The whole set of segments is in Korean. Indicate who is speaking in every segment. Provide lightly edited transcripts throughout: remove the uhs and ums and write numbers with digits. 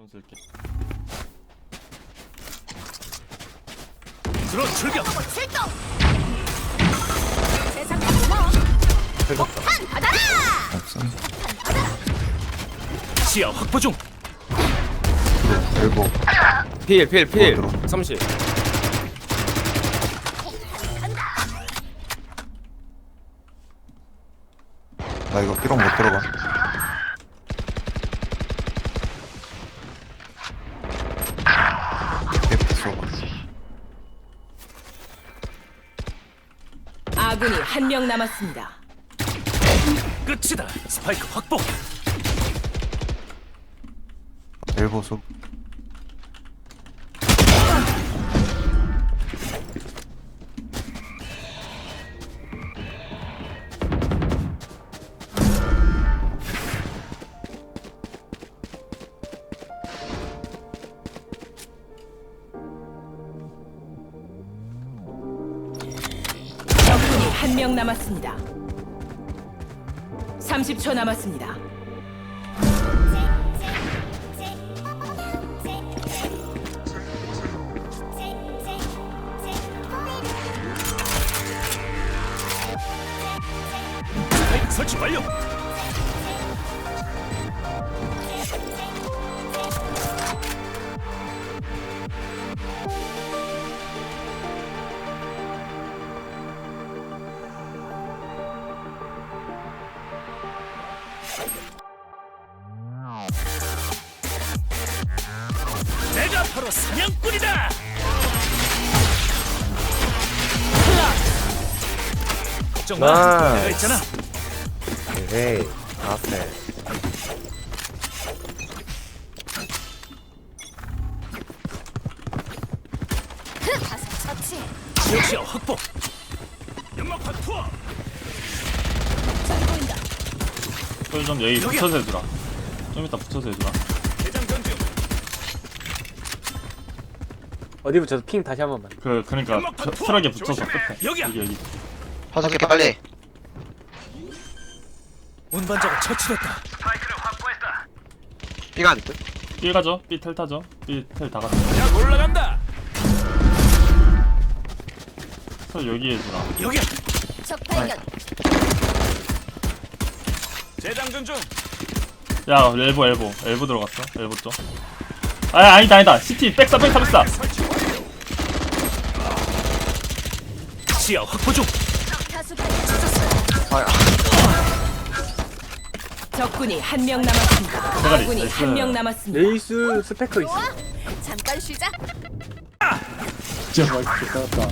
Speaker 1: 드론 쓸게.
Speaker 2: 드론 출격.
Speaker 3: 출동. 세상 고마워. 폭탄 받아라.
Speaker 4: 없어.
Speaker 2: 시야 확보 중.
Speaker 4: 일곱.
Speaker 5: 필
Speaker 4: 들어.
Speaker 5: 30.
Speaker 4: 나 이거 삐롱 못 들어가.
Speaker 3: 아군이 한 명 남았습니다.
Speaker 2: 끝이다. 스파이크 확보.
Speaker 4: 일곱 속.
Speaker 3: 적군이 한 명 남았습니다. 30초 남았습니다.
Speaker 2: 스파이크 설치 완료. 내가 바로 사냥꾼이다. 걱정 마.
Speaker 5: 나이스.
Speaker 2: 내가 있잖아.
Speaker 5: 에이 앞에.
Speaker 3: 처치.
Speaker 2: 지역시야 확보. 연막판 투하.
Speaker 3: 저기 보인다.
Speaker 1: 좀 여기
Speaker 2: 여기야.
Speaker 1: 붙여서 해주라. 좀 이따 붙여서 해주라.
Speaker 2: 대장 전주.
Speaker 5: 어디 붙여서 핑 다시 한 번만.
Speaker 1: 그러니까 트럭에 붙여서 끝에.
Speaker 2: 여기야.
Speaker 1: 여기.
Speaker 6: 파석해 빨리.
Speaker 2: 운반자가 처치됐다.
Speaker 6: 삐가 안 돼?
Speaker 1: B 가죠. B 텔 타죠. B 텔 다 가죠.
Speaker 2: 야 올라간다.
Speaker 1: 설 여기 해주라.
Speaker 2: 여기야.
Speaker 3: 적 발견.
Speaker 2: 재장전 중.
Speaker 1: 야 엘보 들어갔어. 엘보 쪽. 아니다. CT 백사.
Speaker 2: 설치 완료. 시야 확보 중.
Speaker 3: 다수 발견.
Speaker 6: 아,
Speaker 3: 적군이 한 명 남았습니다.
Speaker 1: 대가리,
Speaker 3: 아군이
Speaker 1: 나이스.
Speaker 3: 한 명 남았습니다.
Speaker 5: 레이스 스페커 있어.
Speaker 3: 잠깐 쉬자.
Speaker 5: 진짜 맛있겠다.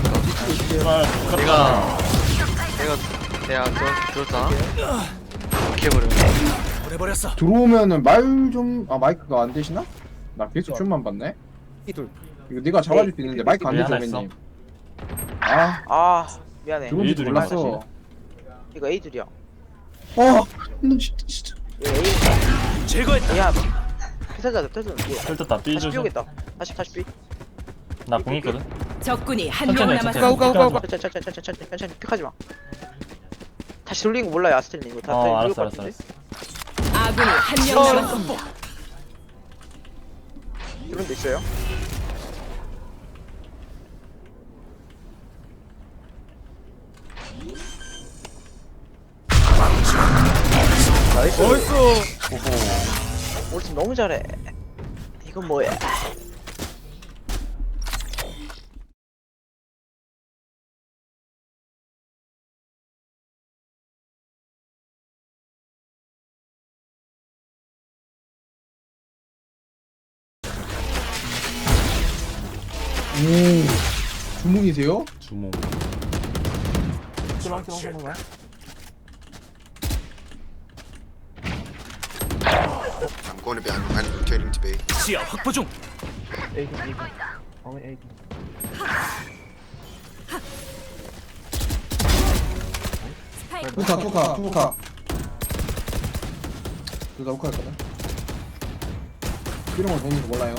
Speaker 6: 내가 들었다. 이렇게 해버렸네.
Speaker 2: 보내버렸어.
Speaker 7: 들어오면은 말 좀 마이크가 안 되시나? 나 계속 춤만 봤네.
Speaker 5: 이둘.
Speaker 7: 이거 네가 잡아줄 수 있는데 마이크 안
Speaker 1: 네,
Speaker 7: 되죠,
Speaker 1: 하나 있어.
Speaker 7: 님. 아,
Speaker 6: 아 미안해.
Speaker 7: 들어온지
Speaker 1: A둘이
Speaker 7: 몰랐어.
Speaker 6: 이거 A둘이야.
Speaker 7: 나 진짜.
Speaker 6: 이거 A.
Speaker 2: 제거했다.
Speaker 6: 야 피사자 피사자.
Speaker 1: 텔 탔다. B
Speaker 6: 다시
Speaker 1: 조심.
Speaker 6: 삐오겠다. 다시 삐.
Speaker 1: 나공 있거든.
Speaker 3: 적군이 한 명
Speaker 1: 천천히,
Speaker 3: 남았습니다.
Speaker 1: 천천히.
Speaker 6: 천천히 픽하지 마. 다시 돌리는 거 몰라요 아스텔님. 이거 다 돌릴 것
Speaker 1: 알았어.
Speaker 6: 같은데.
Speaker 3: 아군이 한 명 남았습니다.
Speaker 6: 이런 데 있어요?
Speaker 5: 나이스.
Speaker 6: 우리 팀 너무 잘해. 이건 뭐야?
Speaker 7: 오, 주몽이세요?
Speaker 1: 주몽.
Speaker 8: I'm going to be. I'm rotating to B.
Speaker 2: 시야 확보 중.
Speaker 7: 투카. 둘다 우카였거든. 이런 걸 보는 거 몰라요.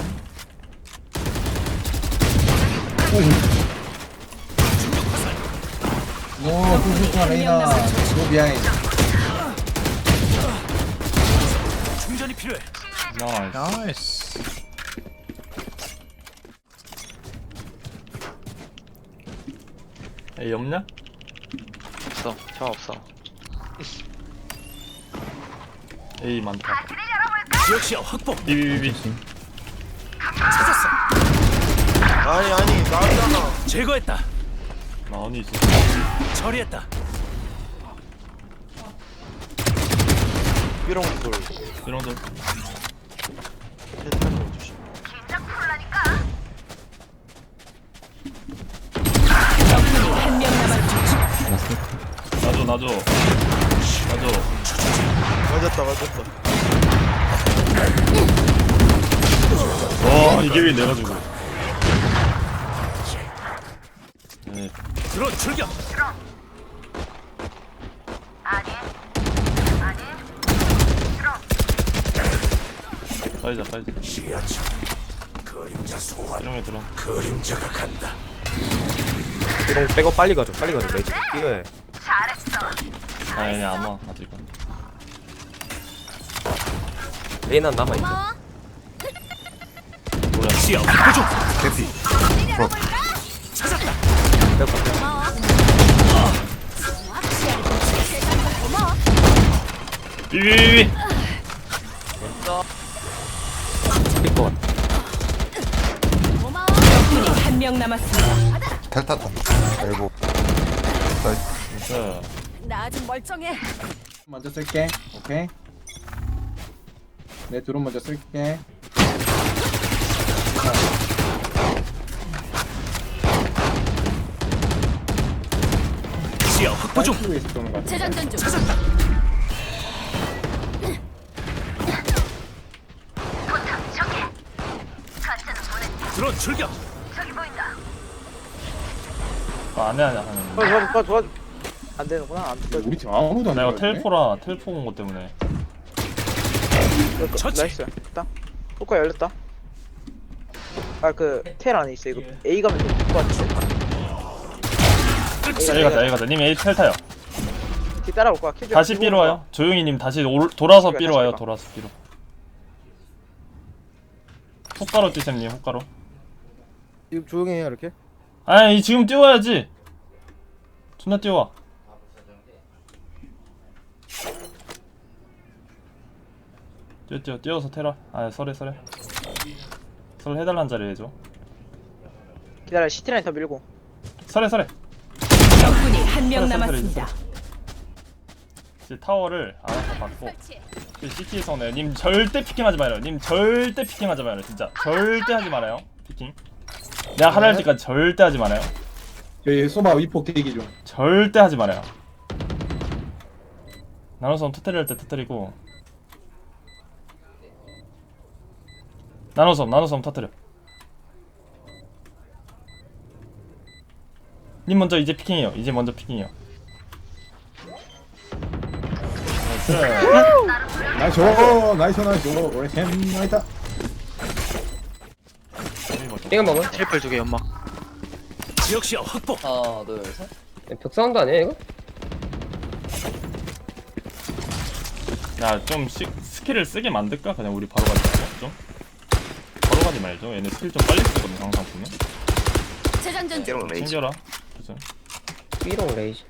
Speaker 7: 오, 투카 레이나. 노 비하인.
Speaker 2: 충전이 필요해.
Speaker 1: 나이스. 에이 없냐?
Speaker 6: 없어. 저 없어.
Speaker 1: 에이 많다.
Speaker 2: 지역 시야 확보.
Speaker 1: 비비비비.
Speaker 2: 찾았어.
Speaker 8: 아니 나잖아.
Speaker 2: 제거했다.
Speaker 1: 나원이 있어.
Speaker 2: 처리했다.
Speaker 8: 삐롱 돌.
Speaker 1: 이런들.
Speaker 3: 적군이 한 명 남았습니다.
Speaker 1: 나줘.
Speaker 8: 맞았다.
Speaker 1: 와 이게 왜 내가 죽어? 네.
Speaker 2: 드론 출격.
Speaker 1: 빠지자.
Speaker 2: 지하철. 그림자 소환.
Speaker 1: 이런 게 들어.
Speaker 2: 그림자가 간다.
Speaker 5: 삐롱 빼고 빨리 가줘 레이지 이거해.
Speaker 1: 아니 안 와 아직은.
Speaker 5: 레이나 남아있어.
Speaker 2: 시야 확보 중.
Speaker 4: 캐피.
Speaker 2: 찾았다.
Speaker 1: 비비비비.
Speaker 5: 스피커.
Speaker 3: 적군이 한 명 남았습니다.
Speaker 4: 텔 탔다. 엘보. 사이트.
Speaker 1: 진짜.
Speaker 3: 나 아직 멀쩡해.
Speaker 7: 먼저 쓸게. 오케이. 내 드론 먼저 쓸게.
Speaker 2: 시야 확보 중.
Speaker 7: 사이트에서 쏘는 거 같아.
Speaker 3: 재장전 중.
Speaker 2: 찾았다. 드론 출격.
Speaker 1: 안해 하는.
Speaker 6: 도와줘. 안 되는구나. 안 돼.
Speaker 7: 우리 팀 아무도 안
Speaker 1: 내가
Speaker 7: 들어갔네.
Speaker 1: 텔포 온 것 때문에.
Speaker 2: 처치.
Speaker 6: 나이스. 됐다. 효과 열렸다. 아 그 텔 안에 있어. 이거 A 가면 될것 같은데.
Speaker 2: 끝이.
Speaker 1: A 가자. 님 A 텔 타요.
Speaker 6: 뒤 따라올 거야. 킬 좀
Speaker 1: 다시
Speaker 6: 끼고
Speaker 1: B로
Speaker 6: 올
Speaker 1: 와요. 조용히님 다시 돌아서
Speaker 6: 다시
Speaker 1: B로 와요.
Speaker 6: 가.
Speaker 1: 돌아서 B로. 훅가로 뛰셈님 훅가로.
Speaker 5: 지금 조용히 해요 이렇게.
Speaker 1: 아니 지금 뛰어야지. 존나 뛰어와. 뛰어서 테라. 아 설해. 설 해달라는 자리 해줘.
Speaker 6: 거야. 기다려. 시티라인 더 밀고.
Speaker 1: 설해.
Speaker 3: 적군이 한 명
Speaker 1: 설해,
Speaker 3: 남았습니다.
Speaker 1: 이제 타워를 알아서 받고. CT에서는 님 절대 피킹하지 말아요. 님 절대 피킹하지 말아요. 진짜 절대 하지 말아요. 피킹. 내가 하라 할 때까지 절대 하지 말아요.
Speaker 7: 여기 소바 위폭 대기 중.
Speaker 1: 절대 하지 말아요. 나눠서 터뜨릴 때 터뜨리고. 나눠서 터뜨려. 님 먼저 이제 피킹해요. 이제 먼저 피킹해요.
Speaker 7: 나이스. 우리 팀 나이다.
Speaker 5: 이거 먹어.
Speaker 6: 트리플 2개 연막.
Speaker 2: 지역 시야 확보.
Speaker 9: 하나 둘 셋.
Speaker 5: 벽 사운드 아니야 이거?
Speaker 1: 야좀 스킬을 쓰게 만들까? 그냥 우리 바로 가지 말고 좀. 바로 가지 말죠. 얘네 스킬 좀 빨리 쓰거든 항상 보면.
Speaker 3: 재장전 중.
Speaker 8: 삐롱 레이지.
Speaker 1: 챙겨라. 그죠?
Speaker 5: 삐롱 레이지.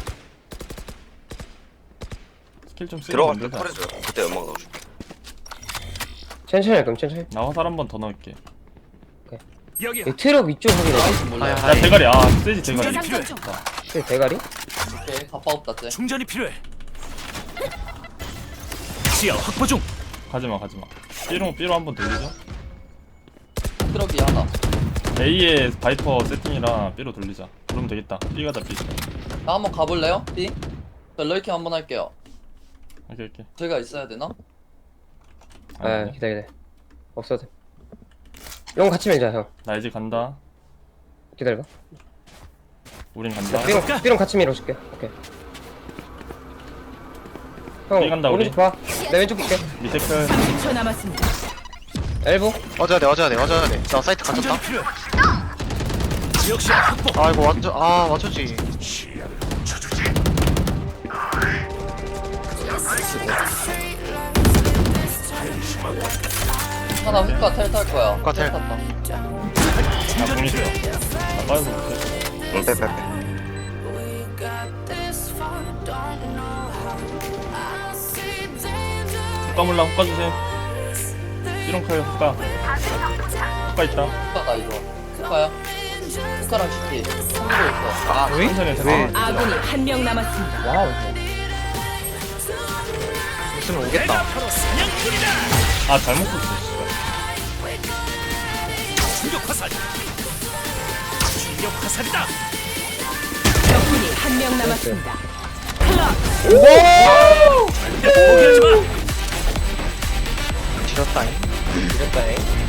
Speaker 1: 스킬 좀 쓰게
Speaker 8: 들어갈 때
Speaker 1: 만들자.
Speaker 8: 털어줘요. 그때 연막 넣어줘.
Speaker 5: 천천히 할 거면 천천히.
Speaker 1: 나 화살 한 번 더 넣을게.
Speaker 2: 여기야.
Speaker 5: 이 트럭 위쪽 확인해.
Speaker 9: 몰라.
Speaker 1: 야 대가리. 세지 대가리.
Speaker 3: 재장전 중.
Speaker 5: 대가리?
Speaker 9: 오케이 갑바 없다 쟤.
Speaker 2: 충전이 필요해. 시야 확보 중.
Speaker 1: 가지마. 삐로 한 번 돌리죠.
Speaker 9: 트럭이 하나.
Speaker 1: A에 바이퍼 세팅이랑 B로 돌리자. 그러면 되겠다. B 가자 B.
Speaker 9: 나 한번 가볼래요? B? 저 럴킹 한번 할게요.
Speaker 1: 오케이.
Speaker 9: 제가 있어야 되나?
Speaker 5: 아 기다려. 없어도 돼. 형 같이 밀자 형.
Speaker 1: 나 이제 간다.
Speaker 5: 기다려봐.
Speaker 1: 우린 간다.
Speaker 5: 삐롱 같이 밀어줄게. 오케이. 형
Speaker 1: 삐 간다, 우리.
Speaker 5: 오른쪽 봐. 내 왼쪽 볼게.
Speaker 1: 밑에 클.
Speaker 3: 30초 남았습니다.
Speaker 5: 엘보.
Speaker 8: 어져야 돼. 나 사이트
Speaker 2: 충전이
Speaker 8: 갇혔다.
Speaker 2: 필요해. 지역 시야 확보.
Speaker 8: 아 이거 맞췄지.
Speaker 2: 시야 쳐주지.
Speaker 9: 하나 후카 텔 탈 거야.
Speaker 8: 후카 텔.
Speaker 9: 탔다.
Speaker 1: 나 공이 있어. 나 빠져서 못해.
Speaker 8: 빼빼빼.
Speaker 1: 후까 몰라 후까 주세요. 삐롱클 후까. 후까 있다.
Speaker 9: 후카다 이거. 후카야. 후카랑 CT. 한국에 있어.
Speaker 8: 아,
Speaker 1: 천천히 해.
Speaker 3: 아군이 한 명 남았습니다.
Speaker 5: 와우.
Speaker 8: 있으면 오겠다.
Speaker 2: 바로 사냥꾼이다.
Speaker 1: 아 잘못 썼어. 씨발.
Speaker 2: 충격 화살. 충격 화살이다.
Speaker 3: 적군이 한 명 남았습니다.
Speaker 2: 포기하지 마.
Speaker 8: 지렸다잉.
Speaker 5: 이랬다잉.